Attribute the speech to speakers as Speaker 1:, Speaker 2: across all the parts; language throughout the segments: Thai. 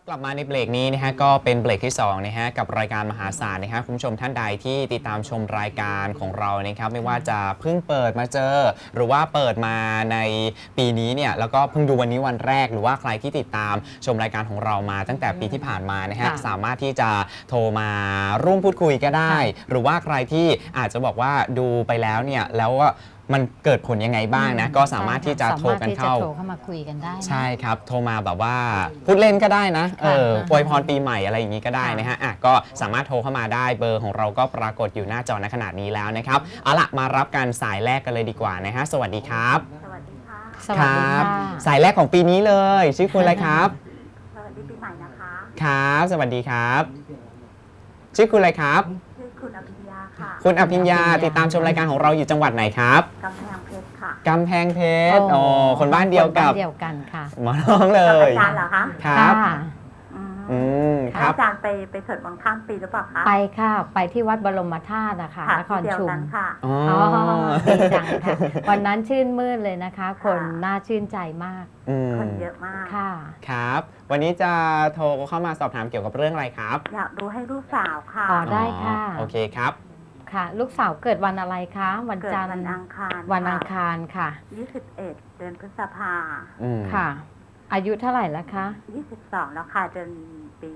Speaker 1: กลับมาในเบรกนี้นะฮะก็เป็นเบรกที่2นะฮะกับรายการมหาศาลนะฮะคุณผู้ชมท่านใดที่ติดตามชมรายการของเรานะครับไม่ว่าจะเพิ่งเปิดมาเจอหรือว่าเปิดมาในปีนี้เนี่ยแล้วก็เพิ่งดูวันนี้วันแรกหรือว่าใครที่ติดตามชมรายการของเรามาตั้งแต่ปีที่ผ่านมานะฮะสามารถที่จะโทรมาร่วมพูดคุยก็ได้หรือว่าใครที่อาจจะบอกว่าดูไปแล้วเนี่ยแล้วก็มันเกิดผลยังไงบ้างนะก็สามารถที่จะโทรกันเข้า
Speaker 2: มาคุยกันได้
Speaker 1: ใช่ครับโทรมาแบบว่าพูดเล่นก็ได้นะอวยพรปีใหม่อะไรอย่างนี้ก็ได้นะฮะก็สามารถโทรเข้ามาได้เบอร์ของเราก็ปรากฏอยู่หน้าจอณขณะนี้แล้วนะครับเอาล่ะมารับการสายแรกกันเลยดีกว่านะฮะสวัสดีครับ
Speaker 3: สวัสดีค่ะ
Speaker 2: สวัสดีค่ะ
Speaker 1: สายแรกของปีนี้เลยชื่อคุณอะไรครับ
Speaker 3: สวัสดีปีใหม่นะคะ
Speaker 1: ครับสวัสดีครับชื่อคุณอะไรครับ
Speaker 3: ชื่อคุณอภิญญาค่ะ
Speaker 1: คุณอภิญญาติดตามชมรายการของเราอยู่จังหวัดไหนครับ
Speaker 3: กำแพงเพชรค่ะ
Speaker 1: กำแพงเพชรคนบ้านเดียวกับ
Speaker 2: ค่ะ
Speaker 1: หมอน้องเลย
Speaker 3: อาจารย์เหรอคะ
Speaker 1: ครับ
Speaker 3: ครับอาจารย์ไปสวดมนต์ข้ามปีหรือเปล่าคะ
Speaker 2: ไปค่ะไปที่วัดบรมธาตุนะคะนครชุม
Speaker 3: ค่ะ
Speaker 2: อ๋อดีจังค่ะวันนั้นชื่นมื่นเลยนะคะคนน่าชื่นใจมาก
Speaker 3: คนเยอะมาก
Speaker 2: ค่ะ
Speaker 1: ครับวันนี้จะโทรเข้ามาสอบถามเกี่ยวกับเรื่องอะไรครับ
Speaker 3: อยากรู้ให้ลูกสาวค่ะ
Speaker 2: อ๋อได้ค่ะ
Speaker 1: โอเคครับ
Speaker 2: ค่ะลูกสาวเกิดวันอะไรคะวันจันทร์
Speaker 3: วันอังคาร
Speaker 2: วันอังคารค่ะ
Speaker 3: 21เดือนพฤษภา
Speaker 2: ค่ะอายุเท่าไหร่แล้วคะ
Speaker 3: 22แล้วค่ะเดือนปี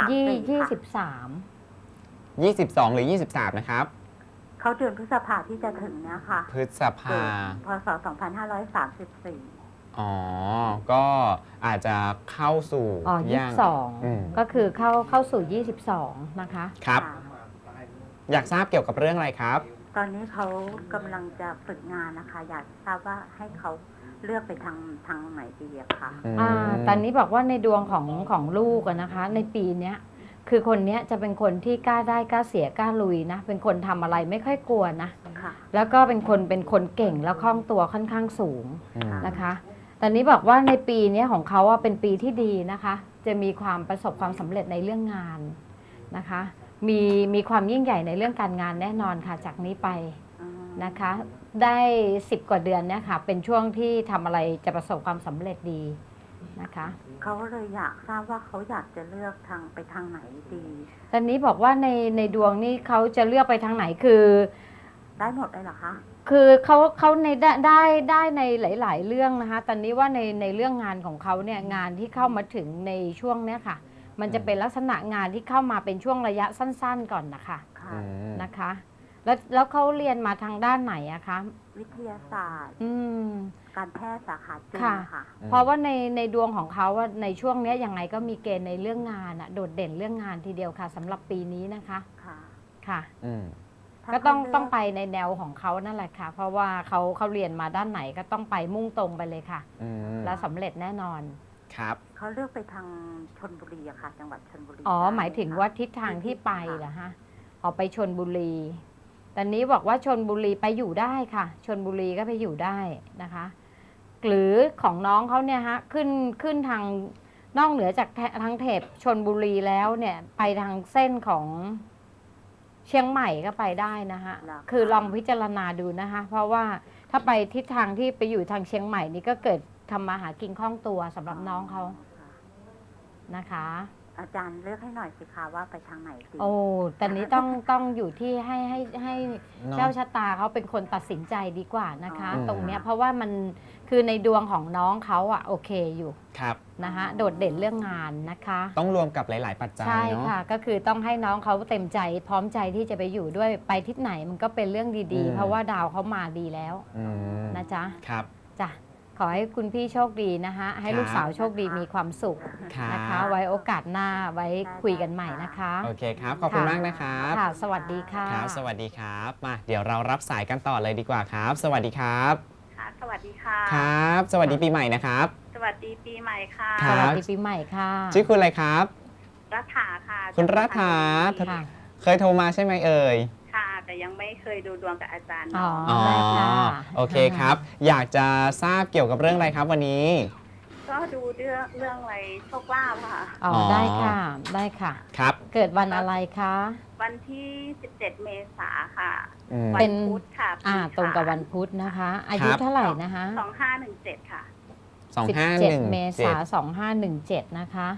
Speaker 2: 23
Speaker 1: 22หรือ23นะครับ
Speaker 3: เขาเดือนพฤษภาที่จะถึงเนี่ยค่ะ
Speaker 1: พฤษภา
Speaker 3: พศ2534
Speaker 1: อ๋อก็อาจจะเข้าสู่
Speaker 2: 22ก็คือเข้าสู่22นะคะ
Speaker 1: ครับอยากทราบเกี่ยวกับเรื่องอะไรครับ
Speaker 3: ตอนนี้เขากำลังจะฝึกงานนะคะอยากทราบว่าให้เขาเลือกไปทางไหนดีอะคะ
Speaker 2: ตอนนี้บอกว่าในดวงของลูกนะคะในปีนี้คือคนนี้จะเป็นคนที่กล้าได้กล้าเสียกล้าลุยนะเป็นคนทำอะไรไม่ค่อยกลัวนะแล้วก็เป็นคนเก่งแล้วคล่องตัวค่อนข้างสูงนะคะตอนนี้บอกว่าในปีนี้ของเขาเป็นปีที่ดีนะคะจะมีความประสบความสำเร็จในเรื่องงานนะคะมีความยิ่งใหญ่ในเรื่องการงานแน่นอนค่ะจากนี้ไปนะคะได้10 กว่าเดือนเนี่ยค่ะเป็นช่วงที่ทำอะไรจะประสบความสำเร็จดีนะคะ
Speaker 3: เขาเลยอยากทราบว่าเขาอยากจะเลือกไปทางไหนดี
Speaker 2: ตอนนี้บอกว่าในดวงนี้เขาจะเลือกไปทางไหนคือ
Speaker 3: ได้หมดเลยเหรอคะ
Speaker 2: คือเขาในได้ในหลายๆเรื่องนะคะตอนนี้ว่าในเรื่องงานของเขาเนี่ยงานที่เข้ามาถึงในช่วงเนี้ยค่ะมันจะเป็นลักษณะงานที่เข้ามาเป็นช่วงระยะสั้นๆก่อนนะคะแล้วเขาเรียนมาทางด้านไหนอะคะ
Speaker 3: วิทยาศาสตร์การแพทย์สาขาจีนค่ะ
Speaker 2: เพราะว่าในดวงของเขาว่าในช่วงนี้ยังไงก็มีเกณฑ์ในเรื่องงานโดดเด่นเรื่องงานทีเดียวค่ะสำหรับปีนี้นะคะค่ะก็ต้องไปในแนวของเขานั่นแหละค่ะเพราะว่าเขาเรียนมาด้านไหนก็ต้องไปมุ่งตรงไปเลยค่ะแล้วสำเร็จแน่นอน
Speaker 1: ครับ
Speaker 3: เขาเลือกไปทางชลบุรีอะค่ะจังหวัดชลบุรี
Speaker 2: หมายถึงว่าทิศทางที่ไปเหรอฮะออกไปชลบุรีตอนนี้บอกว่าชลบุรีไปอยู่ได้ค่ะชลบุรีก็ไปอยู่ได้นะคะหรือของน้องเขาเนี่ยฮะขึ้นทางนอกเหนือจากทางเทพชลบุรีแล้วเนี่ยไปทางเส้นของเชียงใหม่ก็ไปได้นะคะคือลองพิจารณาดูนะคะเพราะว่าถ้าไปทิศทางที่ไปอยู่ทางเชียงใหม่นี่ก็เกิดทำมาหากินคล่องตัวสำหรับน้องเขานะคะ
Speaker 3: อาจารย์เลือกให้หน่อยสิคะว่าไปทางไหนดี
Speaker 2: ตอนนี้ต้องอยู่ที่ให้เจ้าชะตาเขาเป็นคนตัดสินใจดีกว่านะคะตรงเนี้ยเพราะว่ามันคือในดวงของน้องเขาโอเคอยู่
Speaker 1: ครับ
Speaker 2: นะคะโดดเด่นเรื่องงานนะคะ
Speaker 1: ต้องรวมกับหลายๆปัจจัย
Speaker 2: ใช่ค่ะก็คือต้องให้น้องเขาเต็มใจพร้อมใจที่จะไปอยู่ด้วยไปทิศไหนมันก็เป็นเรื่องดีๆเพราะว่าดาวเขามาดีแล้วนะจ๊ะ
Speaker 1: ครับ
Speaker 2: จ้ะขอให้คุณพี่โชคดีนะคะให้ลูกสาวโชคดีมีความสุขนะคะไว้โอกาสหน้าไว้คุยกันใหม่นะคะ
Speaker 1: โอเคครับขอบคุณมากนะครับ
Speaker 2: ค่ะสวัสดีค่ะ
Speaker 1: ครับสวัสดีครับมาเดี๋ยวเรารับสายกันต่อเลยดีกว่าครับสวัสดีครับ
Speaker 3: ค่ะสวัสดีค่ะ
Speaker 1: ครับสวัสดีปีใหม่นะครับ
Speaker 3: สวัสดีปีใหม่ค่ะ
Speaker 2: สวัสดีปีใหม่ค่ะ
Speaker 1: ชื่อคุณอะไรครับ
Speaker 3: รัฐาค่ะ
Speaker 1: คุณรัฐาเคยโทรมาใช่ไหมเอ่ย
Speaker 3: ค่ะแต่ยังไม่เคยดูดวงกับอาจารย์
Speaker 1: โอเคครับอยากจะทราบเกี่ยวกับเรื่องอะไรครับวันนี้
Speaker 3: ก็ดูเรื่องอะไรโชคลาภค่ะ
Speaker 2: ได้ค่ะได้ค่ะ
Speaker 1: ครับ
Speaker 2: เกิดวันอะไรคะ
Speaker 3: วันที่17 เมษายนค่ะ
Speaker 2: เป็น
Speaker 3: พุธค่ะ
Speaker 2: ตรงกับวันพุธนะคะอายุเท่าไหร่นะคะ
Speaker 3: 2517ค่ะ
Speaker 2: 17 เมษายน2517นะคะ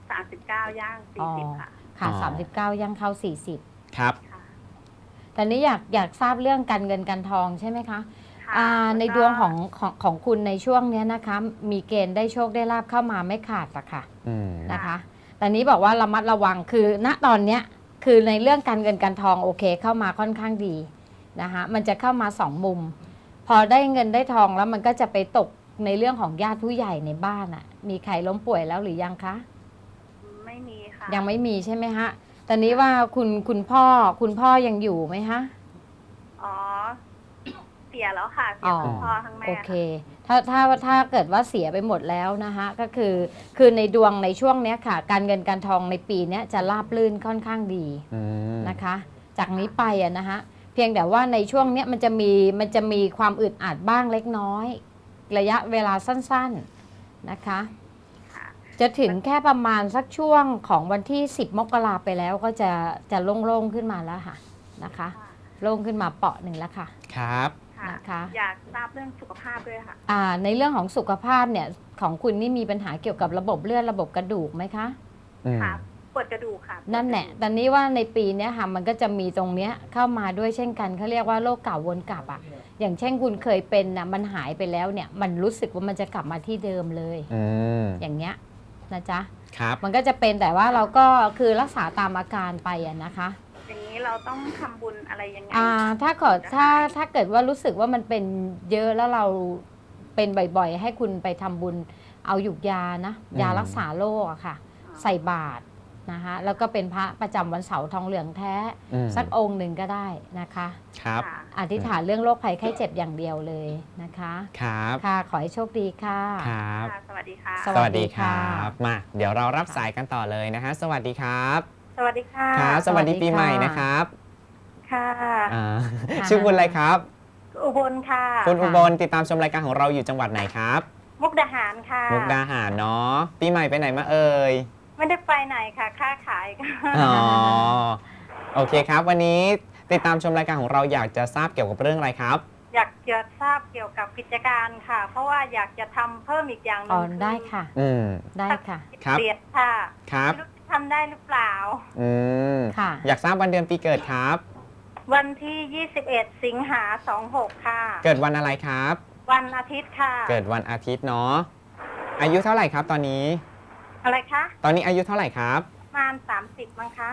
Speaker 3: 39ย่าง40ค่ะ
Speaker 2: ค่ะ
Speaker 1: อ๋อ
Speaker 2: 39ย่างเข้า40
Speaker 1: ครับ
Speaker 3: ค่ะ
Speaker 2: แต่นี้อยากทราบเรื่องการเงินการทองใช่ไหมคะ
Speaker 3: ค่ะ
Speaker 2: ใน
Speaker 3: แล้วก็
Speaker 2: ดวงของคุณในช่วงเนี้ยนะคะ มีเกณฑ์ได้โชคได้ลาบเข้ามาไม่ขาดอะค่ะ
Speaker 1: อืม
Speaker 2: นะคะแต่นี้บอกว่าระมัดระวังคือณตอนเนี้ยคือในเรื่องการเงินการทองโอเคเข้ามาค่อนข้างดีนะคะมันจะเข้ามา2มุม พอได้เงินได้ทองแล้วมันก็จะไปตกในเรื่องของญาติผู้ใหญ่ในบ้านอะมีใครล้มป่วยแล้วหรือยังคะ
Speaker 3: ไม่มีค่ะ
Speaker 2: ยังไม่มีใช่ไหมฮะตอนนี้ว่าคุณพ่อยังอยู่ไหมฮะ
Speaker 3: อ๋อ เสียแล้วค่ะ เสี
Speaker 2: อ๋
Speaker 3: ย
Speaker 2: อ
Speaker 3: ทั้งพ่อทั้งแม่
Speaker 2: โอเคถ้าเกิดว่าเสียไปหมดแล้วนะคะก็คือในดวงในช่วงเนี้ยค่ะ การเงินการทองในปีเนี้ยจะราบรื่นค่อนข้างดี
Speaker 1: อืม
Speaker 2: นะคะ จากนี้ไปอะนะคะเพียงแต่ว่าในช่วงเนี้ยมันจะมีความอึดอัดบ้างเล็กน้อย ระยะเวลาสั้นๆนะคะ
Speaker 3: ค่ะ
Speaker 2: จะถึงแค่ประมาณสักช่วงของวันที่ 10 มกราไปแล้วก็จะโล่งๆขึ้นมาแล้วค่ะนะคะโล่งขึ้นมาเปาะหนึ่งแล้วค่ะ
Speaker 1: ครับ
Speaker 3: ค่ะ
Speaker 2: นะคะ
Speaker 3: อยากทราบเรื่องสุขภาพด้วยค่ะ
Speaker 2: ในเรื่องของสุขภาพเนี่ยของคุณนี่มีปัญหาเกี่ยวกับระบบเลือดระบบกระดูกไหมคะ
Speaker 1: อืม
Speaker 3: ค่ะ ปวดกระดูกค่ะ
Speaker 2: นั่นแหละตอนนี้ว่าในปีเนี้ยค่ะมันก็จะมีตรงเนี้ยเข้ามาด้วยเช่นกันเขาเรียกว่าโรคเก่าวนกลับอ่ะอย่างเช่นคุณเคยเป็นนะมันหายไปแล้วเนี่ยมันรู้สึกว่ามันจะกลับมาที่เดิมเลย
Speaker 1: อืม
Speaker 2: อย่างเงี้ยนะจ๊ะ
Speaker 1: ครับ
Speaker 2: มันก็จะเป็นแต่ว่าเราก็คือรักษาตามอาการไปอะนะคะ
Speaker 3: อย่างนี้เราต้องทำบุญอะไรยังไง
Speaker 2: ถ้าเกิดว่ารู้สึกว่ามันเป็นเยอะแล้วเราเป็นบ่อยๆ ให้คุณไปทำบุญเอาหยุกยานะยารักษาโรคอะค่ะ ใส่บาตรนะคะแล้วก็เป็นพระประจำวันเสาร์ทองเหลืองแท้
Speaker 1: อืม
Speaker 2: สักองค์หนึ่งก็ได้นะคะ
Speaker 1: ครับ
Speaker 3: ค่ะ
Speaker 2: อธิษฐานเรื่องโรคภัยไข้เจ็บอย่างเดียวเลยนะคะ
Speaker 1: ครับ
Speaker 2: ค่ะขอให้โชคดีค่ะ
Speaker 1: ครับ
Speaker 3: ค่ะ สวัสดีค่ะ
Speaker 2: สวัสดีค่ะ
Speaker 1: มาเดี๋ยวเรารับสายกันต่อเลยนะฮะสวัสดีครับ
Speaker 3: สวัสดีค่ะ
Speaker 1: ครับ สวัสดี
Speaker 2: สวัสดี
Speaker 1: ปีใหม่
Speaker 2: ค่ะ
Speaker 1: นะครับ
Speaker 3: ค่ะ
Speaker 1: อ่า
Speaker 2: ค่ะ
Speaker 1: ชื่อคุณอะไรครับ
Speaker 3: อุบลค่ะ
Speaker 1: คุณอุบลติดตามชมรายการของเราอยู่จังหวัดไหนครับ
Speaker 3: มุกดาหารค่ะ
Speaker 1: มุกดาหารเนาะปีใหม่ไปไหนมาเอ่ย
Speaker 3: ไม่ได้ไปไหนค่ะ ค้าขายค่ะ
Speaker 1: อ๋อโอเคครับ วันนี้ติดตามชมรายการของเราอยากจะทราบเกี่ยวกับเรื่องอะไรครับ
Speaker 3: อยากจะทราบเกี่ยวกับกิจการค่ะ เพราะว่าอยากจะทำเพิ่มอีกอย่างหนึ
Speaker 2: อ๋อง ได้ค่ะ
Speaker 1: อืม
Speaker 2: ได้ค่ะ
Speaker 1: ครับ
Speaker 3: เปลี่ยนค่ะ
Speaker 1: ครับ
Speaker 3: ไม่รู้จะทำได้หรือเปล่า
Speaker 1: อืม
Speaker 2: ค่ะ
Speaker 1: อยากทราบวันเดือนปีเกิดครับ
Speaker 3: วันที่ 21 สิงหา26 ค่ะ
Speaker 1: เกิดวันอะไรครับ
Speaker 3: วันอาทิตย์ค่ะ
Speaker 1: เกิดวันอาทิตย์เนาะอายุเท่าไหร่ครับตอนนี้
Speaker 3: อะไรคะ
Speaker 1: ตอนนี้อายุเท่าไหร่ครับ
Speaker 3: ประมาณ30มั้งคะ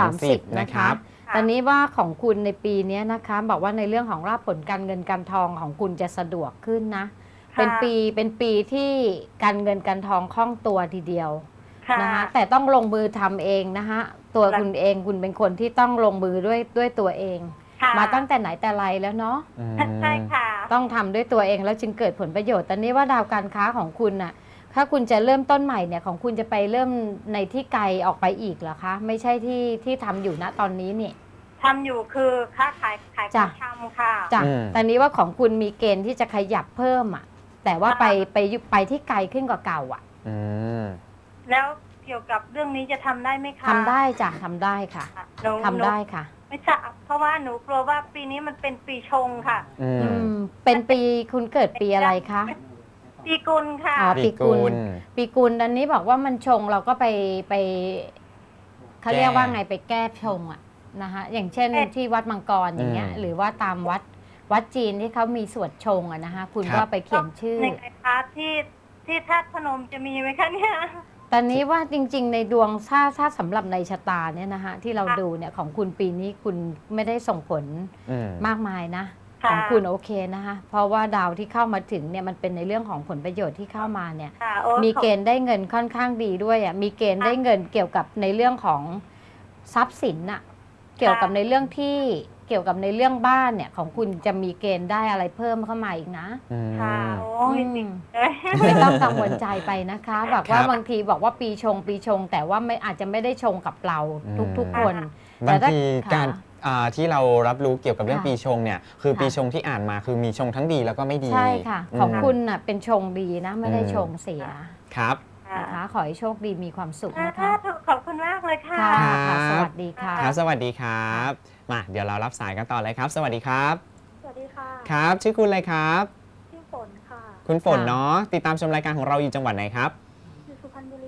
Speaker 1: 30นะครับ
Speaker 3: ค่ะ
Speaker 2: ตอนนี้ว่าของคุณในปีนี้นะคะบอกว่าในเรื่องของราบผลการเงินการทองของคุณจะสะดวกขึ้นนะ
Speaker 3: ค่ะ
Speaker 2: เป็นปีที่การเงินการทองคล่องตัวทีเดียว
Speaker 3: ค่ะ
Speaker 2: นะคะแต่ต้องลงมือทำเองนะคะตัว
Speaker 3: แล้ว
Speaker 2: คุณเองคุณเป็นคนที่ต้องลงมือด้วยตัวเอง
Speaker 3: ค่ะ
Speaker 2: มาตั้งแต่ไหนแต่ไรแล้วเนาะ
Speaker 1: อืม
Speaker 3: ใช่ค่ะ
Speaker 2: ต้องทำด้วยตัวเองแล้วจึงเกิดผลประโยชน์ตอนนี้ว่าดาวการค้าของคุณน่ะถ้าคุณจะเริ่มต้นใหม่เนี่ยของคุณจะไปเริ่มในที่ไกลออกไปอีกเหรอคะไม่ใช่ที่ทำอยู่ณตอนนี้นี่
Speaker 3: ทำอยู่คือค้าขายขอ
Speaker 2: จ้ะ
Speaker 3: งชำค่ะ
Speaker 2: จ้ะ
Speaker 1: อืม
Speaker 2: ตอนนี้ว่าของคุณมีเกณฑ์ที่จะขยับเพิ่มอ่ะแต่ว่า
Speaker 3: ค่ะ
Speaker 2: ไปที่ไกลขึ้นกว่าเก่าอ่ะ
Speaker 1: อืม
Speaker 3: แล้วเกี่ยวกับเรื่องนี้จะทำได้ไหมคะ
Speaker 2: ทำได้จ้ะทำได้ค่ะ
Speaker 3: หนู
Speaker 2: ทำได้ค่ะ
Speaker 3: ไม่ทราบเพราะว่าหนูกลัวว่าปีนี้มันเป็นปีชงค่ะ
Speaker 1: อืม
Speaker 2: อืมเป็นปีคุณเกิดปีอะไรคะ
Speaker 3: ปีกุลค่ะ
Speaker 2: อ๋อ ปีกุล ปีกุลอันนี้บอกว่ามันชงเราก็ไปเขาเรียกว่าไงไปแก้ชงอะนะคะอย่างเช่น
Speaker 3: เอ๊ะ
Speaker 2: ที่วัดมังกรอย่างเงี้ย
Speaker 1: อืม
Speaker 2: หรือว่าตามวัดจีนที่เขามีสวดชงอะนะคะคุณ
Speaker 1: ครั
Speaker 2: ก็
Speaker 1: บ
Speaker 2: ไปเขียนชื่อ
Speaker 3: ในไงคะที่ธาตุพนมจะมีไหมคะเนี่ย
Speaker 2: ตอนนี้ว่าจริง ๆ ในดวงถ้าสำหรับในชะตาเนี่ยนะคะที่เราดูเนี่ยของคุณปีนี้คุณไม่ได้ส่งผล
Speaker 1: อืม
Speaker 2: มากมายนะ
Speaker 3: ค่ะ
Speaker 2: ของคุณโอเคนะคะ เพราะว่าดาวที่เข้ามาถึงเนี่ยมันเป็นในเรื่องของผลประโยชน์ที่เข้ามาเนี่ย
Speaker 3: ค่ะโอ้
Speaker 2: มีเกณฑ์ได้เงินค่อนข้างดีด้วยอ่ะ มีเกณฑ์ได้เงินเกี่ยวกับในเรื่องของทรัพย์สินน่ะ เกี่ยวกับในเรื่องที่เกี่ยวกับในเรื่องบ้านเนี่ยของคุณจะมีเกณฑ์ได้อะไรเพิ่มเข้ามาอีกนะ
Speaker 1: อืม
Speaker 3: ค่ะโอ้ย
Speaker 2: อืม
Speaker 3: จริงเลย
Speaker 2: ไม่ต้องกังวลใจไปนะคะบอกว่า
Speaker 1: ครับ
Speaker 2: บางทีบอกว่าปีชง แต่ว่าไม่อาจจะไม่ได้ชงกับเราทุก
Speaker 1: อืม
Speaker 2: คน
Speaker 1: บางที
Speaker 2: ค่ะ
Speaker 1: การที่เรารับรู้เกี่ยวกับเรื่อง
Speaker 2: ค่ะ
Speaker 1: ปีชงเนี่ยคือ
Speaker 2: ค่ะ
Speaker 1: ปีชงที่อ่านมาคือมีชงทั้งดีแล้วก็ไม่ดี
Speaker 2: ใช่ค่ะ
Speaker 1: ม
Speaker 2: ของคุณน่ะเป็นชงดีนะ ไม่ได้
Speaker 1: อืม
Speaker 2: ชงเสีย
Speaker 1: ครับ
Speaker 2: นะคะ ขอให้โชคดีมีความสุขนะคะ
Speaker 3: ขอบคุณมากเลยค่ะ
Speaker 2: ค่ะ
Speaker 1: ครับ
Speaker 2: สวัสดีค่ะ
Speaker 1: ครับสวัสดีครับมาเดี๋ยวเรารับสายกันต่อเลยครับ สวัสดีครับ
Speaker 3: สวัสดีค่ะ
Speaker 1: ครับ ชื่อคุณอะไรครับ
Speaker 3: ชื่อฝนค่ะ
Speaker 1: คุณฝน
Speaker 2: ค่ะ
Speaker 1: เนาะติดตามชมรายการของเราอยู่จังหวัดไหนครับ
Speaker 3: อยู่สุพรรณบุรีค่ะ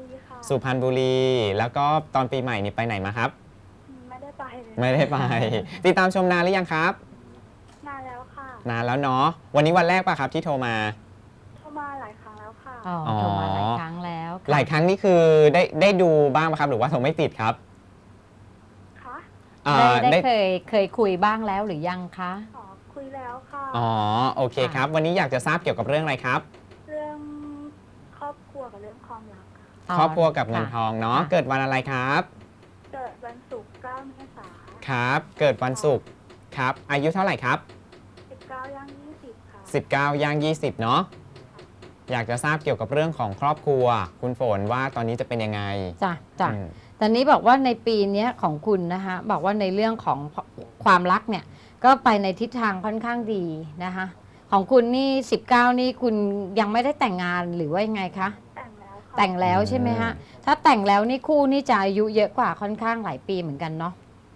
Speaker 1: สุพรรณบุรี แล้วก็ตอนปีใหม่นี่ไปไหนมาครับ
Speaker 4: ไม่ได้ไปเลย
Speaker 1: ไม่ได้ไป ติดตามชมนานหรือยังครับ
Speaker 4: นานแล้วค่ะ
Speaker 1: นานแล้วเนาะ วันนี้วันแรกป่ะครับที่โทรมา
Speaker 4: เข้ามาหลายครั้งแล้วค่ะ
Speaker 2: อ๋อโทรมาหลายครั้งแล้วค่ะ
Speaker 1: หลายครั้งนี่คือได้ดูบ้างไหมครับ หรือว่าโทรไม่ติดครับ
Speaker 4: คะ
Speaker 1: อ่า
Speaker 2: ได้เคยคุยบ้างแล้วหรือยังคะ
Speaker 4: อ๋อคุยแล้วค่ะ
Speaker 1: อ๋อโอเคครับ วันนี้อยากจะทราบเกี่ยวกับเรื่องอะไรครับ
Speaker 4: เรื่องครอบครัวกับเรื่องความรักค่ะ
Speaker 1: ครอบครัวกับเงินท
Speaker 2: ค่ะ
Speaker 1: องเนาะ
Speaker 2: ค่ะ
Speaker 1: เกิดวันอะไรครับ
Speaker 4: เกิดวันศุกร์9 เมษายน
Speaker 1: ครับ เกิดวันศุกร์ครับ อายุเท่าไหร่ครับ
Speaker 4: 19 ย่าง 20 ค่ะ
Speaker 1: 19 ย่าง 20 เนาะ อยากจะทราบเกี่ยวกับเรื่องของครอบครัว คุณฝนว่าตอนนี้จะเป็นยังไง
Speaker 2: จ้ะจ้ะ
Speaker 1: อืม
Speaker 2: ตอนนี้บอกว่าในปีเนี้ยของคุณนะคะบอกว่าในเรื่องของความรักเนี่ยก็ไปในทิศทางค่อนข้างดีนะคะของคุณนี่19นี่คุณยังไม่ได้แต่งงานหรือว่ายังไงคะ
Speaker 4: แต่งแล้วค่ะ
Speaker 2: แต่งแล้วใช่ไหมฮะถ้าแต่งแล้วนี่คู่นี่จะอายุเยอะกว่าค่อนข้างหลายปีเหมือนกันเนาะ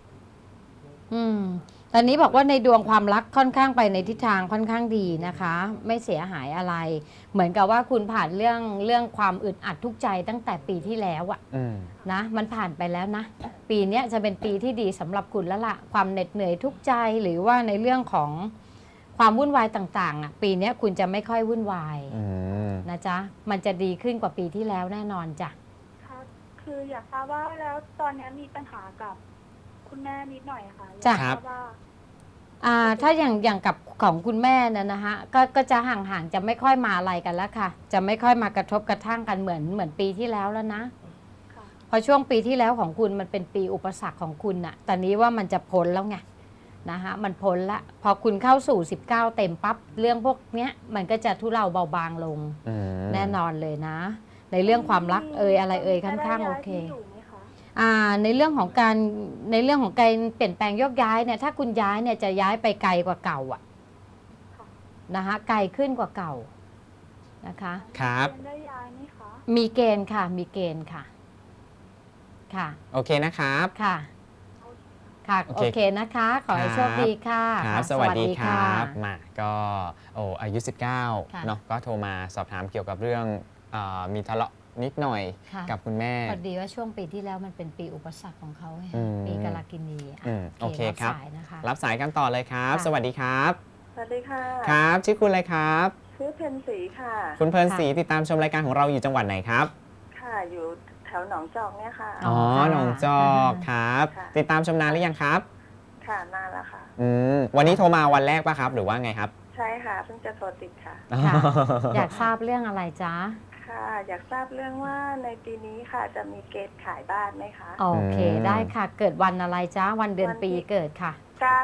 Speaker 2: ตอนนี้บอกว่าในดวงความรักค่อนข้างไปในทิศทางค่อนข้างดีนะคะ ไม่เสียหายอะไร เหมือนกับว่าคุณผ่านเรื่องความอึดอัดทุกข์ใจตั้งแต่ปีที่แล้วอะ
Speaker 1: อืม
Speaker 2: นะมันผ่านไปแล้วนะ ปีเนี้ยจะเป็นปีที่ดีสำหรับคุณแล้วล่ะความเหน็ดเหนื่อยทุกข์ใจหรือว่าในเรื่องของความวุ่นวายต่างๆอ่ะปีเนี้ยคุณจะไม่ค่อยวุ่นวาย
Speaker 1: อืม
Speaker 2: นะจ๊ะมันจะดีขึ้นกว่าปีที่แล้วแน่นอนจ้ะ
Speaker 4: ค่ะคืออยากทราบว่าแล้วตอนนี้มีปัญหากับคุณแม่นิดหน่อยค่ะ
Speaker 2: จ้ะ
Speaker 4: อยากทราบว่า
Speaker 2: ถ้าอย่างกับของคุณแม่นะนะฮะก็จะห่างๆจะไม่ค่อยมาอะไรกันแล้วค่ะ จะไม่ค่อยมากระทบกระทั่งกันเหมือนปีที่แล้วแล้วนะ
Speaker 4: ค่ะ
Speaker 2: พอช่วงปีที่แล้วของคุณมันเป็นปีอุปสรรคของคุณน่ะตอนนี้ว่ามันจะพ้นแล้วไงนะคะมันพ้นละพอคุณเข้าสู่19เต็มปั๊บเรื่องพวกเนี้ยมันก็จะทุเลาเบาบางลง
Speaker 1: อืม
Speaker 2: แน่นอนเลยนะ ในเรื่องความรักอะไรค่อนข้างโอเค
Speaker 4: จะได้ย้ายที่อยู่ไหมคะ
Speaker 2: ในเรื่องของการเปลี่ยนแปลงโยกย้ายเนี่ยถ้าคุณย้ายเนี่ยจะย้ายไปไกลกว่าเก่าอะ
Speaker 4: ค่ะ
Speaker 2: นะคะไกลขึ้นกว่าเก่านะคะ
Speaker 1: ครับ
Speaker 4: จะได้ย้ายไหมคะ
Speaker 2: มีเกณฑ์ค่ะมีเกณฑ์ค่ะค่ะ
Speaker 1: โอเคนะครับ
Speaker 2: ค่ะค่ะ
Speaker 1: โอ
Speaker 2: โอ
Speaker 1: เค
Speaker 2: เคนะคะ ขอให้โชคดีค่ะ
Speaker 1: ครับ
Speaker 2: ค่ะ
Speaker 1: สวัสดีค
Speaker 2: ค่ะ
Speaker 1: รับ มา ก็อายุ
Speaker 2: ค่ะ
Speaker 1: 19 เนาะ ก็โทรมาสอบถามเกี่ยวกับเรื่องมีทะเลาะนิดหน่อย
Speaker 2: ค่ะ
Speaker 1: กับคุณแม่
Speaker 2: พอดีว่าช่วงปีที่แล้วมันเป็นปีอุปสรรคของเขาไง
Speaker 1: อืม
Speaker 2: ปีกาลกินีะ
Speaker 1: โอเคครับ
Speaker 2: สายนะคะ
Speaker 1: รับสายกันต่อเลยครับ
Speaker 2: ค่ะ
Speaker 1: สวัสดีครับ
Speaker 5: สวัสดีค่ะ
Speaker 1: ครับ ชื่อคุณอะไรครับ
Speaker 5: ชื่อเพนสีค่ะ
Speaker 1: คุณเพลินศรีติดตามชมรายการของเราอยู่จังหวัดไหนครับ
Speaker 5: ค่ะ อยู่แถวหนองจอกเนี่ยค่ะ
Speaker 2: อ๋
Speaker 1: อ๋
Speaker 2: อ
Speaker 1: อ
Speaker 2: ค่ะ
Speaker 1: หนองจอกครับ
Speaker 5: ค่ะ
Speaker 1: ติดตามชมนานหรือยังครับ
Speaker 5: ค่ะ นานแล้วค่ะ
Speaker 1: วันนี้โทรมาวันแรกป่ะครับ หรือว่าไงครับ
Speaker 5: ใช่ค่ะ เพิ่งจะโทรติดค่ะ
Speaker 2: ค่ะ อยากทราบเรื่องอะไรจ๊ะ
Speaker 5: ค่ะ อยากทราบเรื่องว่าในปีนี้ค่ะ จะมีเกณฑ์ขายบ้านไหมคะ
Speaker 2: โอเค
Speaker 1: อืม
Speaker 2: ได้ค่ะ เกิดวันอะไรจ๊ะ วันเดือน
Speaker 5: วันที่
Speaker 2: ปีเกิดค่ะ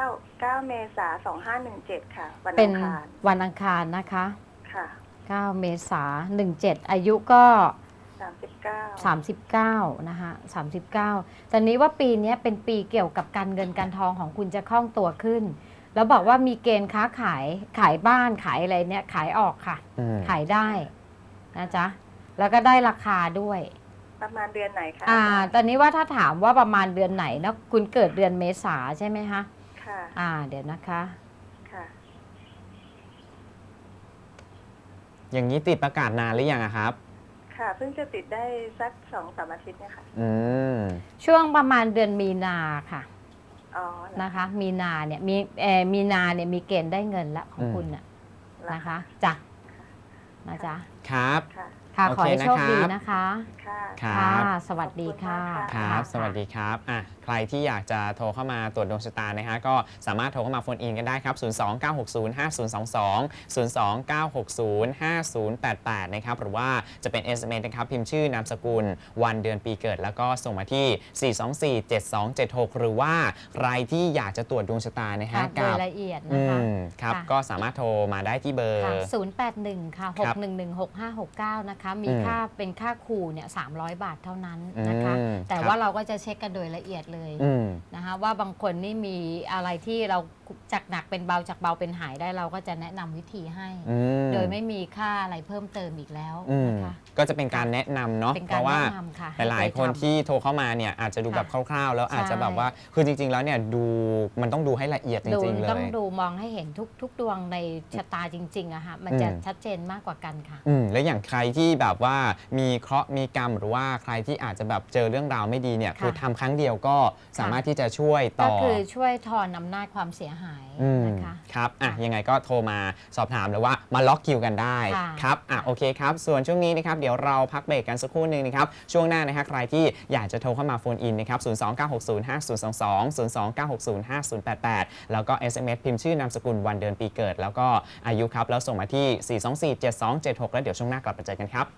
Speaker 5: 9 เมษายน 2517 ค่ะ วัน
Speaker 2: เป็
Speaker 5: อั
Speaker 2: น
Speaker 5: งคาร
Speaker 2: วันอังคารนะคะ
Speaker 5: ค่ะ
Speaker 2: 9 เมษายน17 อายุก็
Speaker 5: 39
Speaker 2: 39 นะคะ39 ตอนนี้ว่าปีนี้เป็นปีเกี่ยวกับการเงินการทองของคุณจะคล่องตัวขึ้น แล้วบอกว่ามีเกณฑ์ค้าขายบ้านขายอะไรเนี่ยขายออกค่ะ ขายได้นะจ๊ะ แล้วก็ได้ราคาด้วย
Speaker 5: ประมาณเดือนไหนคะ
Speaker 2: ตอนนี้ว่าถ้าถามว่าประมาณเดือนไหนนะคุณเกิดเดือนเมษาใช่ไหมคะ
Speaker 5: ค่ะ
Speaker 2: เดี๋ยวนะคะ
Speaker 5: ค่ะ
Speaker 1: อย่างนี้ติดประกาศนานหรือยังอะครับ
Speaker 5: ค่ะ เพิ่งจะติดได้สัก 2-3 อาทิตย์เนี่ยค่ะ
Speaker 1: อืม
Speaker 2: ช่วงประมาณเดือนมีนาค่ะ
Speaker 5: อ๋อเหรอ
Speaker 2: นะคะ มีนาเนี่ยมีนาเนี่ยมีเกณฑ์ได้เงินละของคุณน่ะ
Speaker 5: เหรอ
Speaker 2: นะคะจ้ะนะจ๊ะ
Speaker 1: ครับ
Speaker 5: ค่ะ
Speaker 2: ค่ะ
Speaker 1: โอ
Speaker 2: ขอ
Speaker 1: เค
Speaker 2: ให้โชคดี
Speaker 1: นะครับ
Speaker 2: นะคะ
Speaker 5: ค่ะ
Speaker 1: ครับ
Speaker 2: สวัสดีค่ะ
Speaker 5: ขอบคุณมาก
Speaker 1: ค
Speaker 5: ค่ะ
Speaker 1: รับ
Speaker 2: ะ
Speaker 1: สวัสดีครับใครที่อยากจะโทรเข้ามาตรวจดวงชะตานะฮะก็สามารถโทรเข้ามาโฟนอินกันได้ครับ 029605022 029605088 นะครับ หรือว่าจะเป็น SMS นะครับ พิมพ์ชื่อนามสกุล วันเดือนปีเกิด แล้วก็ส่งมาที่ 4247276 หรือว่าใครที่อยากจะตรวจดวงชะตานะฮะ
Speaker 2: ค่ะโดยละเอียด
Speaker 1: อื
Speaker 2: นะคะ
Speaker 1: มครับ
Speaker 2: ค่ะ
Speaker 1: ก็สามารถโทรมาได้ที่เบอร์
Speaker 2: ค่ะ081 ค่ะ
Speaker 1: ครับ
Speaker 2: 6116569 นะคะ มี
Speaker 1: อืม
Speaker 2: ค่าเป็นค่าครูเนี่ย300 บาทเท่านั้นนะคะ แต่
Speaker 1: ครับ
Speaker 2: ว่าเราก็จะเช็คกันโดยละเอียดเลย
Speaker 1: อืม
Speaker 2: นะคะว่าบางคนนี่มีอะไรที่เราจากหนักเป็นเบาจากเบาเป็นหายได้เราก็จะแนะนำวิธีให้
Speaker 1: อืม
Speaker 2: โดยไม่มีค่าอะไรเพิ่มเติมอีกแล้ว
Speaker 1: อืม
Speaker 2: นะคะ
Speaker 1: ก็จะเป็นการแนะนำเนาะ
Speaker 2: เป็น
Speaker 1: เพ
Speaker 2: การ
Speaker 1: ราะว่า
Speaker 2: แนะนำค่ะ
Speaker 1: หลายๆคนที่โทรเข้ามาเนี่ยอาจจะดูแบบคร่าวๆ แล้วอาจจะแบบว่าคือจริงๆแล้วเนี่ยดูมันต้องดูให้ละเอียดจ
Speaker 2: ดู
Speaker 1: ริงๆ เล
Speaker 2: ต้อง
Speaker 1: ย
Speaker 2: ดูมองให้เห็นทุกดวงในชะตาจริงๆอะฮะมันจะ
Speaker 1: อืม
Speaker 2: ชัดเจนมากกว่ากันค่ะ
Speaker 1: แล้วอย่างใครที่แบบว่ามีเคราะห์มีกรรมหรือว่าใครที่อาจจะแบบเจอเรื่องราวไม่ดีเนี่ย
Speaker 2: ค่ะ
Speaker 1: คือทำครั้งเดียวก็สามารถที่จะช่วยต่
Speaker 2: ก็
Speaker 1: อ
Speaker 2: คือช่วยทอนอำนาจความเสียหาย
Speaker 1: อืม
Speaker 2: นะคะ
Speaker 1: ครับอ่ะ
Speaker 2: ค่ะ
Speaker 1: ยังไงก็โทรมาสอบถามหรือว่ามาล็อกคิวกันได้
Speaker 2: ค่ะ
Speaker 1: ครับอ่ะโอเคครับ ส่วนช่วงนี้นะครับเดี๋ยวเราพักเบรกกันสักครู่หนึ่งนะครับช่วงหน้านะฮะใครที่อยากจะโทรเข้ามาโฟนอินนะครับ029605022 029605088 แล้วก็ SMS พิมพ์ชื่อนามสกุลวันเดือนปีเกิด แล้วก็อายุครับแล้วส่งมาที่ 4247276 แล้วเดี๋ยวช่วงหน้ากลับมาเจอกันครับ